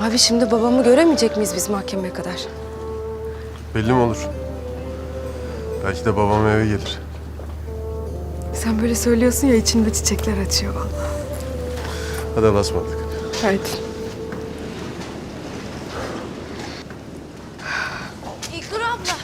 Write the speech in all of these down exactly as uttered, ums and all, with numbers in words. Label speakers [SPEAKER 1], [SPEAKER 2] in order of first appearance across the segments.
[SPEAKER 1] Abi şimdi babamı göremeyecek miyiz biz mahkemeye kadar?
[SPEAKER 2] Belli mi olur? Belki de babam eve gelir.
[SPEAKER 1] Sen böyle söylüyorsun ya içinde çiçekler açıyor vallahi.
[SPEAKER 2] Hadi Allah'a ısmarladık.
[SPEAKER 1] Haydi.
[SPEAKER 3] İlknur abla.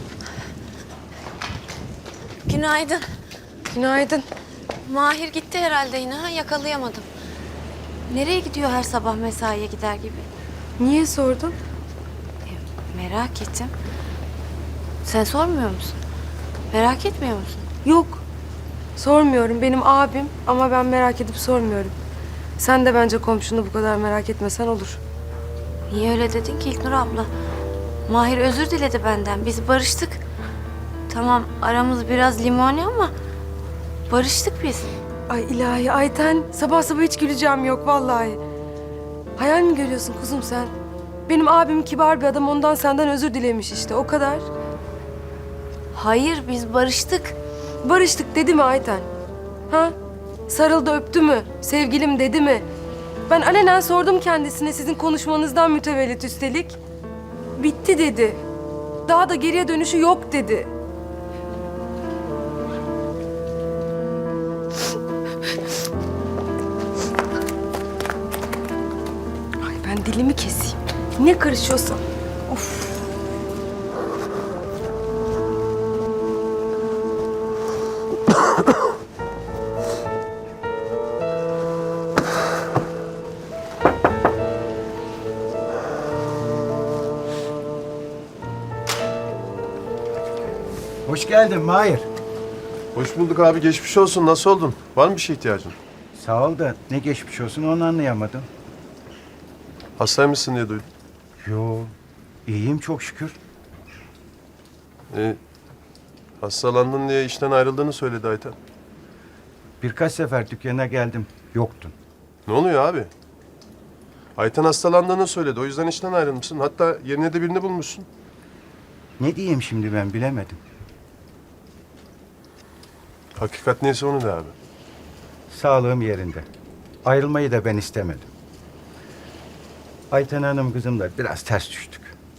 [SPEAKER 3] Günaydın.
[SPEAKER 1] Günaydın.
[SPEAKER 3] Mahir gitti herhalde yine ha, yakalayamadım. Nereye gidiyor her sabah mesaiye gider gibi?
[SPEAKER 1] Niye sordun?
[SPEAKER 3] E, merak ettim. Sen sormuyor musun? Merak etmiyor musun?
[SPEAKER 1] Yok. Sormuyorum. Benim abim ama ben merak edip sormuyorum. Sen de bence komşunu bu kadar merak etmesen olur.
[SPEAKER 3] Niye öyle dedin ki İlknur abla? Mahir özür diledi benden. Biz barıştık. Tamam aramız biraz limoni ama barıştık biz.
[SPEAKER 1] Ay ilahi Ayten, sabah sabah hiç güleceğim yok vallahi. Hayal mi görüyorsun kuzum sen? Benim abim kibar bir adam, ondan senden özür dilemiş işte, o kadar.
[SPEAKER 3] Hayır biz barıştık.
[SPEAKER 1] Barıştık dedi mi Ayten? Ha? Sarıldı öptü mü? Sevgilim dedi mi? Ben alenen sordum kendisine sizin konuşmanızdan mütevellit üstelik. Bitti dedi. Daha da geriye dönüşü yok dedi. Ay ben dilimi keseyim. Ne karışıyorsa. Of.
[SPEAKER 4] Hoş geldin Mahir.
[SPEAKER 2] Hoş bulduk abi. Geçmiş olsun. Nasıl oldun? Var mı bir şey ihtiyacın?
[SPEAKER 4] Sağ ol da ne geçmiş olsun onu anlayamadım.
[SPEAKER 2] Hastaymışsın diye duydum.
[SPEAKER 4] Yo, iyiyim çok şükür.
[SPEAKER 2] Ee, hastalandın diye işten ayrıldığını söyledi Ayten.
[SPEAKER 4] Birkaç sefer dükkana geldim, yoktun.
[SPEAKER 2] Ne oluyor abi? Ayten hastalandığını söyledi. O yüzden işten ayrılmışsın. Hatta yerine de birini bulmuşsun.
[SPEAKER 4] Ne diyeyim şimdi ben bilemedim.
[SPEAKER 2] Hakikat neyse onu de abi.
[SPEAKER 4] Sağlığım yerinde. Ayrılmayı da ben istemedim. Ayten Hanım kızımla biraz ters düştük.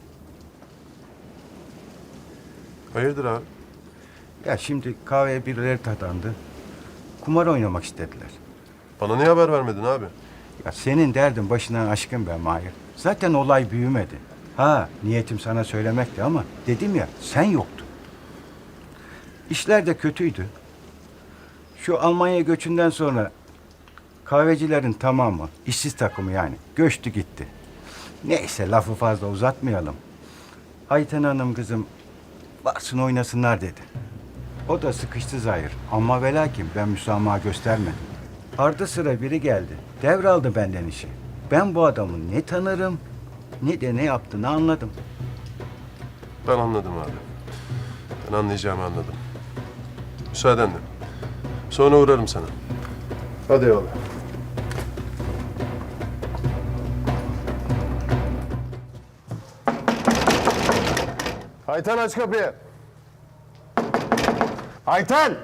[SPEAKER 2] Hayırdır abi?
[SPEAKER 4] Ya şimdi kahveye birileri tadandı. Kumar oynamak istediler.
[SPEAKER 2] Bana niye haber vermedin abi?
[SPEAKER 4] Ya senin derdin başından aşkın be Mahir. Zaten olay büyümedi. Ha niyetim sana söylemekti ama dedim ya sen yoktun. İşler de kötüydü. Şu Almanya göçünden sonra kahvecilerin tamamı, işsiz takımı yani göçtü gitti. Neyse lafı fazla uzatmayalım. Ayten Hanım kızım varsın oynasınlar dedi. O da sıkıştı zahir ama ve lakin ben müsamaha göstermedim. Ardı sıra biri geldi. Devraldı benden işi. Ben bu adamı ne tanırım ne de ne yaptığını anladım.
[SPEAKER 2] Ben anladım abi. Ben anlayacağımı anladım. Müsaadenle. Sonra uğrarım sana. Hadi eyvallah. Ayten aç kapıyı. Ayten!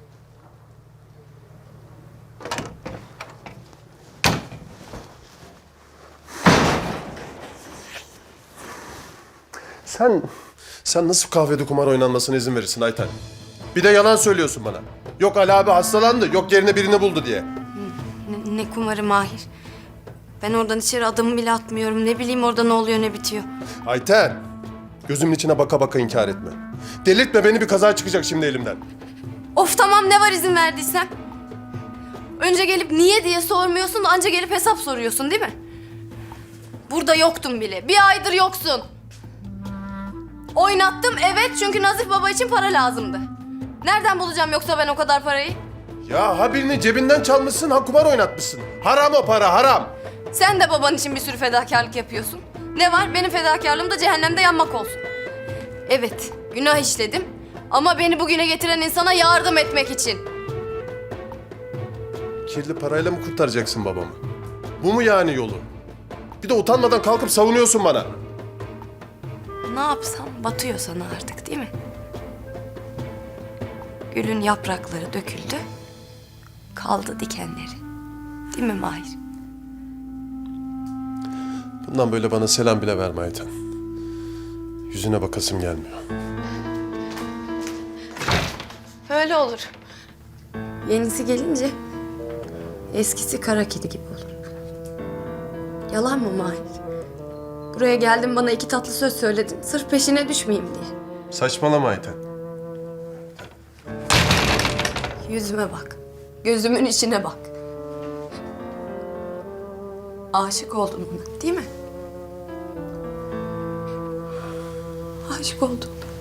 [SPEAKER 2] Sen, sen nasıl kahvede kumar oynanmasına izin verirsin Ayten? Bir de yalan söylüyorsun bana. Yok Ali abi hastalandı, yok yerine birini buldu diye.
[SPEAKER 3] Ne, ne kumarı Mahir. Ben oradan içeri adımı bile atmıyorum. Ne bileyim orada ne oluyor ne bitiyor.
[SPEAKER 2] Ayten, gözümün içine baka baka inkar etme. Delirtme beni, bir kaza çıkacak şimdi elimden.
[SPEAKER 3] Of tamam ne var izin verdiysem. Önce gelip niye diye sormuyorsun, anca gelip hesap soruyorsun değil mi? Burada yoktun bile. Bir aydır yoksun. Oynattım evet çünkü Nazif Baba için para lazımdı. Nereden bulacağım yoksa ben o kadar parayı?
[SPEAKER 2] Ya ha birini cebinden çalmışsın, ha kumar oynatmışsın. Haram o para, haram.
[SPEAKER 3] Sen de baban için bir sürü fedakarlık yapıyorsun. Ne var? Benim fedakarlığım da cehennemde yanmak olsun. Evet, günah işledim. Ama beni bugüne getiren insana yardım etmek için.
[SPEAKER 2] Kirli parayla mı kurtaracaksın babamı? Bu mu yani yolu? Bir de utanmadan kalkıp savunuyorsun bana.
[SPEAKER 3] Ne yapsam batıyor sana artık değil mi? Gülün yaprakları döküldü. Kaldı dikenleri. Değil mi Mahir?
[SPEAKER 2] Bundan böyle bana selam bile verme Ayten. Yüzüne bakasım gelmiyor.
[SPEAKER 3] Öyle olur. Yenisi gelince eskisi kara kedi gibi olur. Yalan mı Mahir? Buraya geldin bana iki tatlı söz söyledin. Sırf peşine düşmeyeyim diye.
[SPEAKER 2] Saçmalama Ayten.
[SPEAKER 3] Yüzüme bak. Gözümün içine bak. Aşık oldun ona, değil mi? Aşık oldun.